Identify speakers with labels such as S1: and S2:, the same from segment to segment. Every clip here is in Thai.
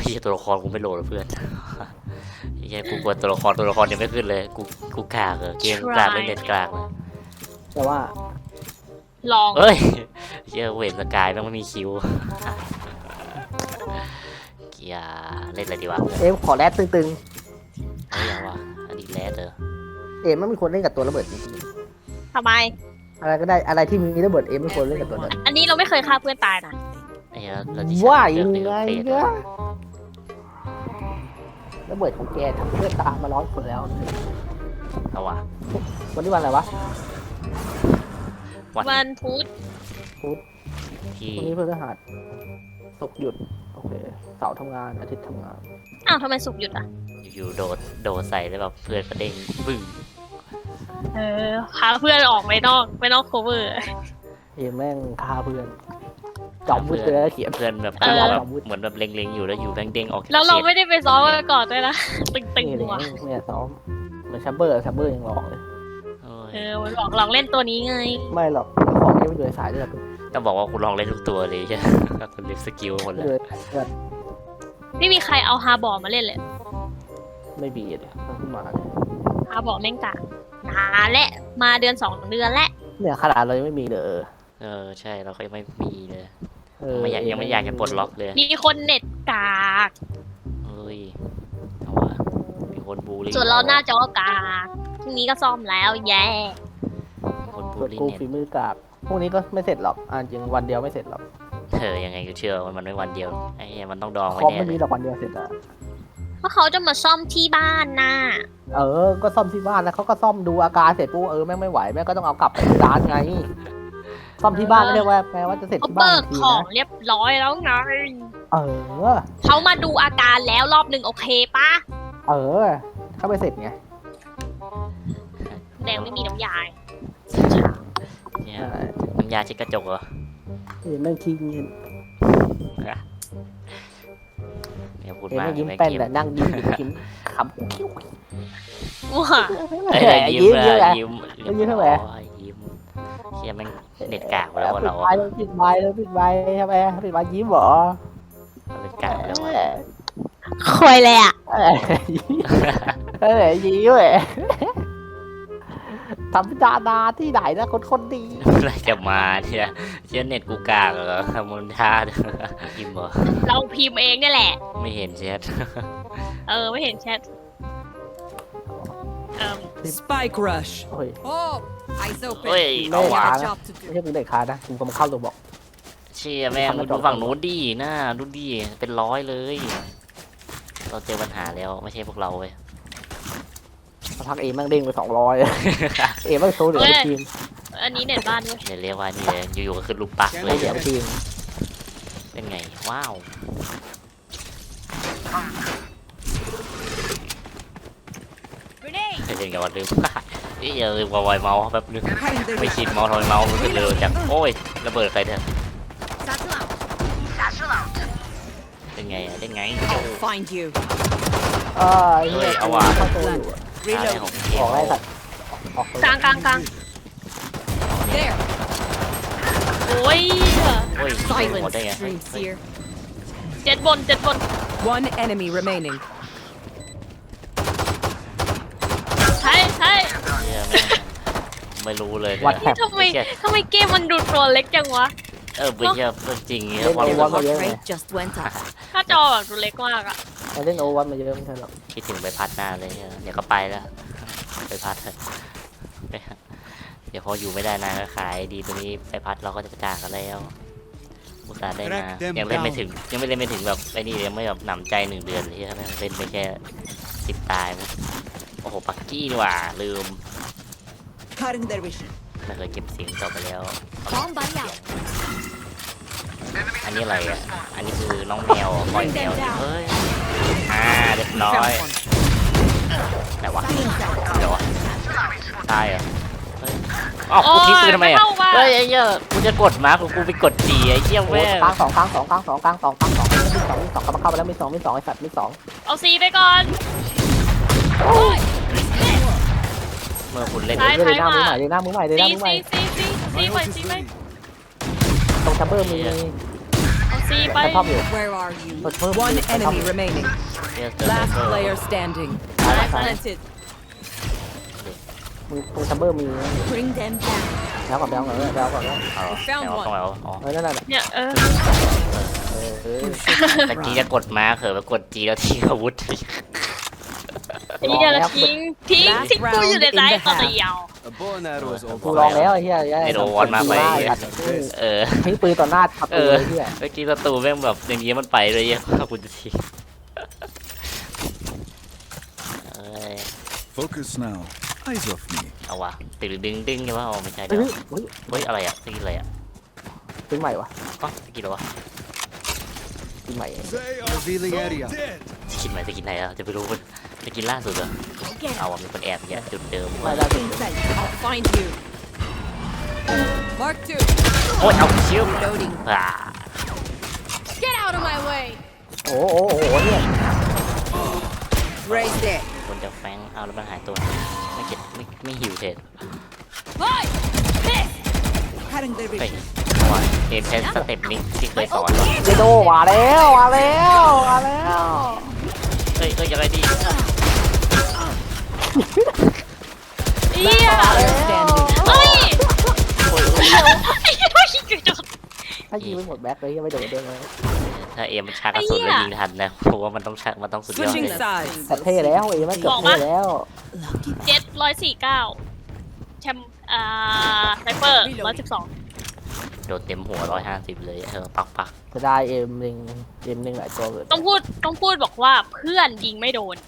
S1: เฮียตัวละครกูไม่โหลดเพื่อนเฮียกูกลัวตัวละครยังไม่ขึ้นเลยกูกากเกมกากเล่นเน็ตกากเลย
S2: แต่ว่า
S3: ลอง
S1: เอ้ยเฮียเวทสกายแม่งไม่มีคิวเกียเล่นอะไรดีวะ
S2: เอ็มขอแรดตึง
S1: ไม่เอาวะอันนี้แรดเออ
S2: ๆเอ็มไม่มีคนเล่นกับตัวระเบิดจริง
S3: ทำไม
S2: ๆอะไรก็ได้อะไรที่มีระเบิดเอ็มไม่ควรเล่นกับตัวนั้น
S3: อันนี้เราไม่เคยฆ่าเพื่อนตายนะ
S1: ไอ้เหี้ยเราที่
S2: ว่า
S1: เลื
S2: ยั
S1: อก
S2: ง
S1: เลื
S2: ไง
S1: อกเฟส
S2: เนี่ยระเบิดของแกทำเพื่อนตามมา100 คนแล้ว
S1: เอาวะ
S2: วันนี้วันอะไรวะ
S3: วันพุธ
S1: ที่
S2: วันนี้พฤหัสศุกร์หยุดโอเคเสาร์ทำงานอาทิตย์ทำงาน
S3: อ้าวทำไมสุกร์หยุดอ่ะ
S1: อยู่ๆโดดใส่แล้วแบบเพื่อนกระเด้งบึ้ง
S3: พาเพื่อนออกไปนอกโคเวอร์
S2: เอ็มแม่งฆ่าเพื่อนจอมวุ้นเลยเขียน
S1: เพื่อนแบบ
S3: เออ
S1: แบบเหมือนแบบเล็งๆอยู่แล้วอยู่แบงเด้งออก
S3: แล้วเราไม่ได้ไปซ้อมกันก่อนด้วยนะ ตึง
S2: นี่
S3: ๆ
S2: เลย
S3: ว่ะ
S2: เนี่ยซ้อมเหมือนชับเบอร์ยังหลอกเลย
S3: มันบอกลองเล่นตัวนี้ไง
S2: ไม่หรอกของนี้ไม่อยู่ในสายเลือด
S1: ต้องบอกว่ากูลองเล่นทุกตัวเลยใช่เล่นสกิลหมด
S2: ไม่
S1: เล
S2: อยู่
S1: ย
S2: ในสายเลือด
S3: ไม่มีใครเอาฮาบอร์มาเล่นเลย
S2: ไม่บีเลยมันขึ้นมาเลย
S3: ฮาบอร์แม่งกะนานและมาเดือน2 เดือนและ
S2: เนี่ยขนาดเรายังไม่มีเลย
S1: ใช่เราก็ยังไม่มีเลย
S2: เออ
S1: ยังไม่อยากจะปลดล็อกเลย
S3: มีคนเน็ตกาก
S1: เฮ้ยเอาวะมีคนบูลลี่
S3: ส่วนเราหน้าจอกากพรุ่งนี้ก็ซ่อมแล้วแย่
S1: คนบู
S2: ก
S1: ล
S2: ด
S1: ลี่
S2: กู
S1: เน็ต
S2: ฝีมือกราบพวกนี้ก็ไม่เสร็จหรอกจริงวันเดียวไม่เสร็จหรอก
S1: ยังไงกูเชื่อว่ามันไม่วันเดียวไอ้เหี้ยมันต้องดอง
S2: ค
S1: ไว้
S2: อม
S1: แน่
S2: ไม่
S1: เล
S2: มี
S1: ย
S2: หรอกวันเดียวเสร็จอะ
S3: เพราะเขาจะมาซ่อมที่บ้านน่ะ
S2: ก็ซ่อมที่บ้านแล้วเขาก็ซ่อมดูอาการเสร็จปุ๊บแม่งไม่ไหวแม่งก็ต้องเอากลับไปที่ร้านไงซ่อมที่บ้านไม่ได้ว่าแปลว่าจะเสร็จ
S3: เขา
S2: ที่บ้าน
S3: เบิก
S2: ที
S3: ของ
S2: นะ
S3: เรียบร้อยแล้วไง
S2: เออ
S3: เขามาดูอาการแล้วรอบหนึ่งโอเคปะ
S2: ถ้าไม่เสร็จไง
S3: แดงไม่มีน้ำยา
S1: เนี่ยน้ำยาเช็ดกระจกเหรอ
S2: แม่งขี้เงียบ
S1: เนี่ยพูด
S2: เห็น
S1: มา
S2: แม่งยิ้ม
S1: ไม่
S2: แป้น
S1: เก็บ
S2: แต่นั่งยิ้มอยู่ยิ้มขำคิ้ว
S3: ว้า
S1: ยิ้ม
S2: ยิ้ม
S1: ยิ้ม
S2: ยิ้มทำไม
S1: ยิ้มเชี่ยแม่งเน็ตกากแล้วเรา
S2: ปิดไมค์เลยปิดไมค์ทำไมปิดไมค์ยิ้มเหรอ
S1: เน็ตกากแล้ว
S3: ควยเลยอ่ะ
S2: ยิ้มเลยทำดานาที่ไหนนะคนดี
S1: อะไรจะมาเนี่ยเชี่ยเน็ตกูกากเหรอทำมันท่ายิ้มเหรอ
S3: เราพิมพ์เองเนี่ยแหละ
S1: ไม่เห็นแชท
S3: ไม่เห็นแชท
S4: Spike rush.
S2: โอ้ย
S4: Oh, eyes
S1: เฮ้ย
S4: open.
S1: เอาว่ะ
S4: Got a job to
S2: ไม่
S4: do.
S2: ใช่มึงเด็กค้านะกูก็มาเข้าตัวบอก
S1: เชี่ยแม่งดูฝั่งนู้นดิหน้าดูดิเป็น100เลย เราเจอปัญหาแล้วไม่ใช่พวกเราเว้ย
S2: พักเอแม่งเด้งไป200เอแม่งโซเหลือทีม
S3: อันนี้เน็ตบ้านด้วย
S1: เดี๋ยวเรียกว่านี่เลยอยู่ๆก็ขึ้นลูกปักเลย
S2: เหลือทีม
S1: เป็นไงว้าวเป็นไงวันลืมนี่อย่าลืมวายเมาส์แป๊บนึง
S4: Behind the
S1: ไม่ชินเมาส์ทำไมเมาส์มันเร็วจังโอ้ยระเบิดใครเนี่ยเป็นไงอะได้ไง
S4: I'll find you.
S2: เข้าตัวอยู่
S1: อะไร
S4: Reload.
S1: ของเก
S2: อ
S1: ม
S2: อกไล่สัตว์ออก
S3: กลาง
S4: There.
S3: โอ้ย
S1: โอ้ยหมดได้
S4: Silence
S1: ไง
S4: streams here.
S3: เจ็ดบน
S4: One enemy remaining.
S3: ใช่
S1: เหี้ยแม่งไม่รู้เลย
S2: วัด
S1: เนี่ย
S2: แท็บ
S3: ทำไมเกมมันดูตัวเล็กจังวะ
S1: ไม่ใช่จริงเนี่ย
S2: เล่น
S1: พอ
S2: โอ
S1: รู้
S2: วัน
S1: สึ
S2: มาก เยอะ
S4: Heart
S2: เลย
S4: rate just went up.
S3: ถ้าจอแบบดูเล็กมากอะ
S2: เล่นโอวันมาเยอะไม่ใช่หรอก
S1: คิดถึงไปพัดหน้าเลยเดี๋ยวก็ไปแล้วไปพัดเถอะเดี๋ยวพออยู่ไม่ได้นานก็ขายดีตัวนี้ไปพัดเราก็จะจากกันแล้วอุตส่าห์ได้มายังเล่นไม่ถึงแบบไอ้นี่ยังไม่แบบหนำใจ1 เดือนเลยใช่ไหมเล่นไปแค่10 ตายมั้งโอ้โหปักกี้นี่หว่าลืม
S4: Cutting their vision.
S1: ไม่เคยเก็บเสียงต่อไปแล้ว
S4: Bomb buddy out.
S1: อันนี้อะไรอ่ะอันนี้คือน้องแมวปล่อยแมวเฮ้ยเรียบร้อย
S4: Found one.
S1: ไหนวะเดี๋ยววะตายเหรอเฮ้ยอ๋อกูทิ้งปืนทำไมอ่ะเฮ้ยไอ้เหี้ยกูจะกดมากูไปกดจีไอ้เหี้ยแม่ง
S2: กลาง2กลาง2กลาง2กลาง2กลาง2มี2กลับมาเข้าไปแล้วมี2ไอ้สัตว์มี2
S3: เอาซีไปก่อน
S1: เมื่อคุณเล่น
S3: ซ้าย
S2: เลยหน้ามือใหม่เลยหน้ามือใหม่เลยห
S3: ซี
S2: น้ามือใหม่
S3: ซีไป
S2: ตรงชัมเบอร์มี
S3: เอาซีซีไป
S2: แต่ชอบอยู่
S4: Where are you?
S2: เพิ่ม
S4: One
S2: แต่ชอบ
S4: enemy remaining.
S1: เรียกเจอไซ
S4: Last
S1: เฟอร์
S4: player standing. Planted.
S2: มึงซัมเบอร์มี
S4: Bring them down.
S2: แล้วก่อนแล้วก่อนแล้วก่อนแล้ว
S1: เอา
S4: found
S1: เอา
S4: one
S1: ต้องเอาอ๋อ
S2: นั่นน่ะ
S3: เนี่ย
S2: เออ
S1: ตะกี้จะกดม้าเขอไปกดจีแล้วทิ้งอาวุธ
S3: ไอ้เหี้ยแล้วทิ้งกูอยู่ในใจตอนเดียว
S5: A bow and arrow is
S2: กู
S5: all
S2: ลองแล้วไอ้เหี้ย
S1: ไม่โดนมากไป เออ
S2: ทิ้งปืนต่อหน้าขับ
S1: เอ
S2: ปืน
S1: อ
S2: ไอ้เหี้ย
S1: เมื่อกี้ศัตรูแม่งแบบอย่างนี้มันไปเลยยังกูจะทิ้งเอ้ย
S6: Focus now. Eyes off me.
S1: เอาวะตึงดึงดึงใช่ปะอ๋อไม่ใช่
S2: เฮ้
S1: เดี๋ยวย
S2: เฮ้ย
S1: เฮ้ยอะไรอ่ะสกินอะไรอ่ะ
S2: ปืนใหม่วะ
S1: อ๋อสกินอะไรวะ
S2: ปืนใหม่
S6: They are
S5: Revealing
S6: so
S5: area.
S6: dead.
S1: สกินใหม่สกินไหนอ่ะจะไปรู้มันสกินล่าสุดเหรอเอาอ่ะมีคนแอบเนี่ยจุดเดิม
S2: ไม่ได้
S4: Inside. I'll find you. Mark two.
S1: โอ้ยเอาเชี่ยว
S4: Reloading.
S1: อ่า
S4: Get out of my way.
S2: โอ้โหเนี่ย
S4: Raise there.
S1: คนจะแฟงเอาแล้วมันหายตัวไม่เก็บไม่หิวเทรด
S4: Bye. This. Cutting their
S1: เฮ้ย
S4: vision.
S1: ว่าเกมแพสสเต็ปนี้ที่เคยสอน
S2: เจโดมาแล้วมาแล้วมาแล้ว
S1: เฮ้ยยังไงดี
S3: เหี้ย
S4: Player standing.
S3: เฮ้ย
S1: โอ้ย
S3: ไอ้เหี้ยโดนยิงกระจก
S2: ถ้ายิงไม่หมดแบ็คเลยยังไม่โดนเด้งเลย
S1: ถ้าเอ็มมันชักกระสุนแล้วยิงทันนะเพราะว่ามันต้องชักมันต้องสุดยอด
S4: Switching
S1: เลย
S4: sides.
S2: แต่เท่แล้วเอ้ไม่เกือบเท่แล้ว
S3: 749แชมป์ไซเฟอร์112
S1: โดนเต็มหัว150เลยปัก
S2: จะได้เอ็มหนึ่งหลายตัวเลย
S3: ต้องพูดบอกว่าเพื่อนยิงไม่โดน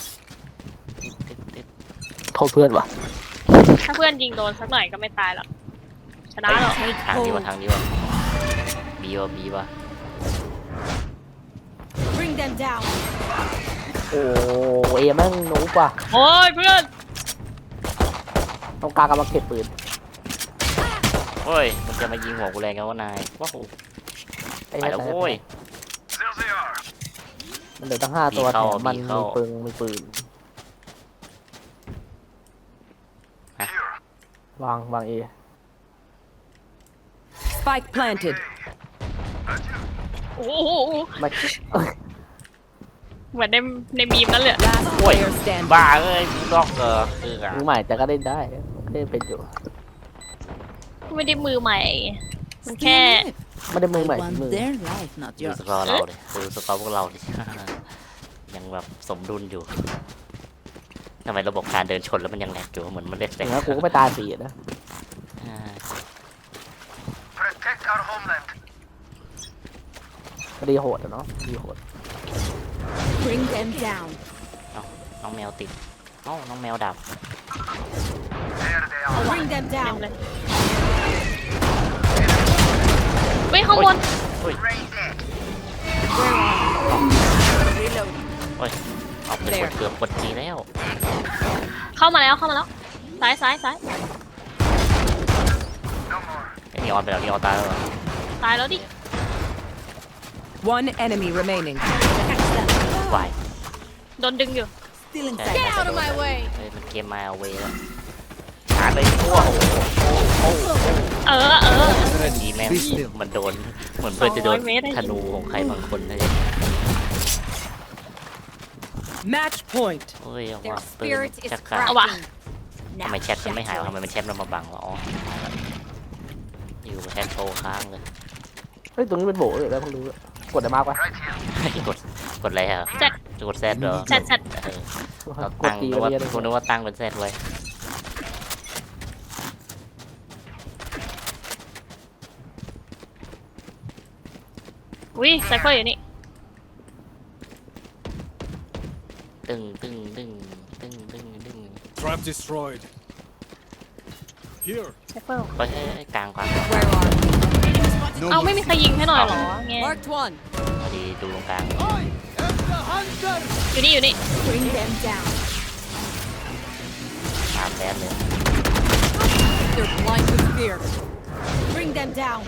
S2: โทษเพื่อนวะ
S3: ถ้าเพื่อนยิงโดนสักหน่อยก็ไม่ตายหรอกชนะหรอก
S1: ทางนี้วะบีวะ
S4: Bring them down.
S2: โอ้เอ็มแม่งหนูกว่า
S3: โอ้ยเพื่อน
S2: ต้องการกำลังเก็บปืน
S1: โอ้ยมันจะมายิงหัวกูแรงกันว่านายว้าว
S2: ไอ้
S1: ไป
S2: เนี่ย
S1: แล้วโว้ย
S2: มันเหลือตั้ง5 ตัวแถมมันมีปืนวางเอ
S4: Spike planted.
S3: โอ้โห
S2: ไม่
S3: เหมือนในมีมนั่นเลย
S4: Last player standing.
S1: บ้าเอ้ยบล็อกคืออะ
S2: มือใหม่แต่ก็เล่นได้เล่นเป็นอยู่
S3: ไม่ได้มือใหม่ มันแค่
S2: ไม่ได้มือใหม่
S4: Want
S2: มือ
S4: their life, not
S1: ดู
S4: yours.
S1: สกอร์เราเลยดูสกอร์พวกเราดิ ยังแบบสมดุลอยู่ทำไมระบบการเดินชนแล้วมันยังแหลกอยู่เหมือนมันเล็ก
S2: อย่างนั้นกูก็ไม่ตายฟรีนะ
S5: Protect our homeland.
S2: ก็ดีโหดอะเนาะดีโหด
S4: Bring them down.
S1: น้องแมวติดน้องแมวดับ
S5: There they are.
S4: Bring them
S3: เต็ม
S4: down.
S3: เลยเฮ้ยข้างบน
S5: Raise there.
S4: Reload.
S1: โอ้ยเอาไปเกือบกดจีแล้ว
S3: เข้ามาแล้วซ้าย
S5: No more.
S1: ไอ้นีออนไปแล้วนีออนตายแล้วเหรอ
S3: ตายแล้วดิ
S4: One enemy remaining.
S1: ไหว
S3: โดนดึงอยู่
S4: Still
S1: ใช่
S4: inside. Get out of my way.
S1: เฮ้ยมันเกมมาเอาเวแล้วหาเลยทั่วโอ้โห
S3: เออ
S1: ดีแม่งมันโดนเหมือนเพื่อนจะโดน
S3: 200เมตรได้
S1: ธนูของใครบางคนเลย
S4: Match point.
S1: เฮ้ยเอา
S4: Their
S1: ว่าปืน
S4: spirit is
S1: จักร
S3: เอาว่ะ
S4: cracking.
S1: ทำไมแชทมันไม่หายวะทำไมมันแชทมันมาบังวะอ๋ออยู่กับแชทโตค้างเลย
S2: เฮ้ยตรงนี้เป็นโบเลยแล้วเพิ่งรู้กดได้มากปะ
S1: กดอะไรฮะ
S3: แซด
S1: กดแซดเหรอ
S3: แซด
S1: เออเรา
S2: กด
S1: ตั้ง
S2: ตี
S1: นึก
S2: ไว้
S1: ว่า
S2: เยอะเลย
S1: คุณนึกว่าตั้งเป็นแซดไว้
S3: อุ้ยไซเฟอร์อยู่นี่
S1: ตึ้ง
S6: Trap destroyed. Here.
S3: ไซเฟอร์
S1: ไปให้กลาง
S4: Where are you?
S6: No
S3: เอาไม่มีใครยิงให้หน่อยเหรอไง
S4: Marked one.
S1: พอดีดูตรงกลาง
S6: I am the hunter.
S3: อยู่นี่
S4: Bring them down.
S1: ตามแซดเลย
S4: They're blind with fear. Bring them down.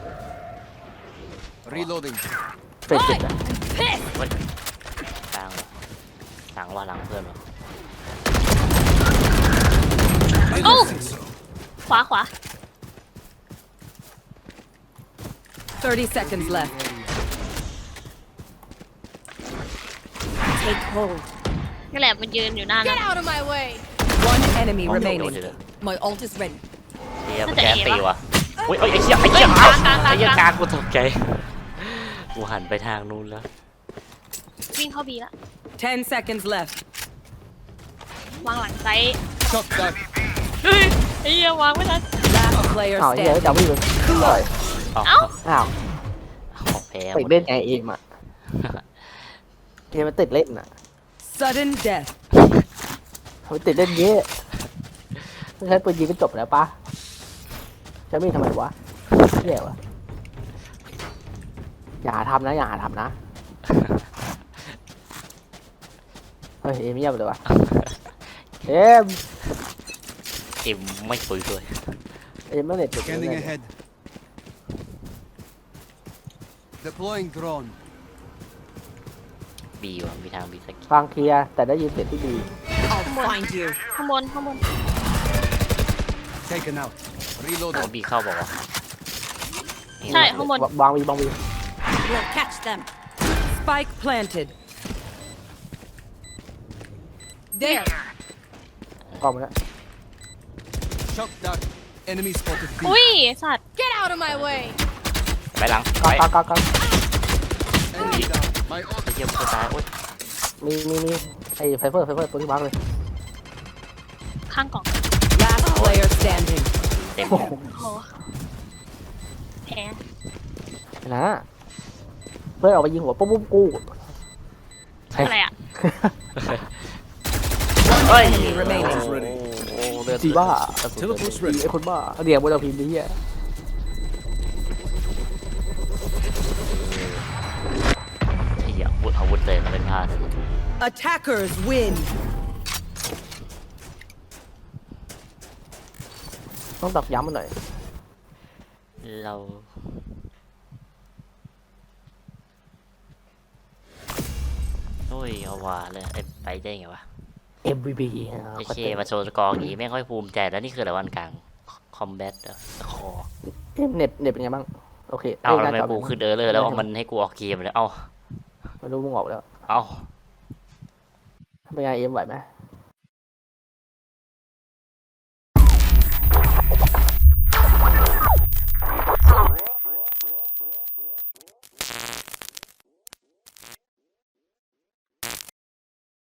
S5: Reloading.
S2: เป็ดเจ็บนะ
S4: Pissed.
S1: เฮ้ยกลางหลังว่าหลังเพื่อนวะ
S3: โอ้ขวา
S4: 30 seconds left. Take hold.
S3: นี่แหละมันยืนอยู่หน้านั้น
S4: Get out of my way.
S7: One enemy
S1: โดน
S7: remaining.
S1: เลย
S4: My ult is ready.
S1: เฮียมันแกนตีว่ะอุ้ยไอ้เหี้ยไอ้เหี้ยเอาไอ้เหี้ยกลางกูตกใจกูหันไปทางนู้นแล้ว
S3: วิ่งเข้าบีละ
S7: 10 seconds left.
S3: วางหลังไซส์
S6: Shock dart.
S3: เฮ้ยไอ้เหี้ยวางไม่ทัน
S7: Last player
S2: อ้าวเหี้ย
S7: standing.
S2: จะวิ่งเลย
S1: เอ้า
S3: เอ้า
S2: อ้าว
S1: ของแพ้ห
S2: ติ
S1: ม
S2: ด
S1: ด
S2: เล่นไงเอมอ่ะเอมมันติดเล่นอ่ะ
S7: Sudden death.
S2: มันติดเล่นเยอะไม่ใช่ปืนยิงก็จบแล้วปะจะมีทำไมวะเหี้ยวะอย่าหาทำนะอย่าหาทำนะเฮ้ยเอมเงียบเลยวะเอม
S1: เอ็มไม่คุยด้วย
S2: เอมไม่เน็ตติด
S6: Scanning ahead. Deploying drone.
S1: บีว่ะมีทางบีสัก
S2: ฟังเคลียร์แต่ได้ยินเสียงที่ดี
S4: I'll find you.
S3: ข้างบนข้างบน
S6: Taken out.
S1: เอา
S6: Reloading.
S1: บีเข้าบอกว่า
S3: ใช่ข้างบน
S2: วางวีวางวี
S4: We'll catch them.
S7: Spike planted.
S4: There.
S2: กล้องมาแล้ว
S6: Shock dart. Enemy spotted B.
S3: อุ้ยสัตว์
S4: Get out of my way.
S1: ไปหลัง
S2: กล้
S1: ไป
S2: องกล้องกล้อง
S6: Enemy down. My ult.
S1: ไอ้เหี้ยกูตายโอ๊ย
S2: มีไอ้ไฟเฟอร์ตัวที่มาร์กเลย
S3: ข้างกล่อง
S7: Last player standing.
S1: เต็ม
S2: โอ้โห
S3: โอ้แพ้
S2: นะเพื่อนออกไปยิงหัวปุ๊บปุ๊บกู
S3: อะไรอ่ะ
S1: เฮ้ย
S7: Enemy remaining.
S1: โอ้เลือด
S2: จีบ้า
S6: Teleport's ready.
S2: ไอ้คนบ้าเรียกบนเราพิมพ์นี้อ่ะ
S1: ไอ้เหี้ยอาวุธเลยมันเป็นพลาด
S7: Attackers win.
S2: ต้องตอกย้ำมันหน่อย
S1: เราโอ้ยเอาว่าเลยไอ้ไปได้ไงวะ
S2: MVP
S1: ไอ้เคมาโชว์สกอร์อย่างงี้ไม่ค่อยภูมิใจแล้วนี่คืออะไรวันกลางคอมแบทคอ
S2: เน็ตเป็นไงบ้างโอเค
S1: เอา
S2: ห
S1: ทำ
S2: น้
S1: ไม
S2: จ
S1: กูขึ้นเลยแล้วมันให้กูออกเกมเลยเอา
S2: ไม่รู้มึงออกแล้ว
S1: เอา
S2: เป็นไงเอ็มไหวไหม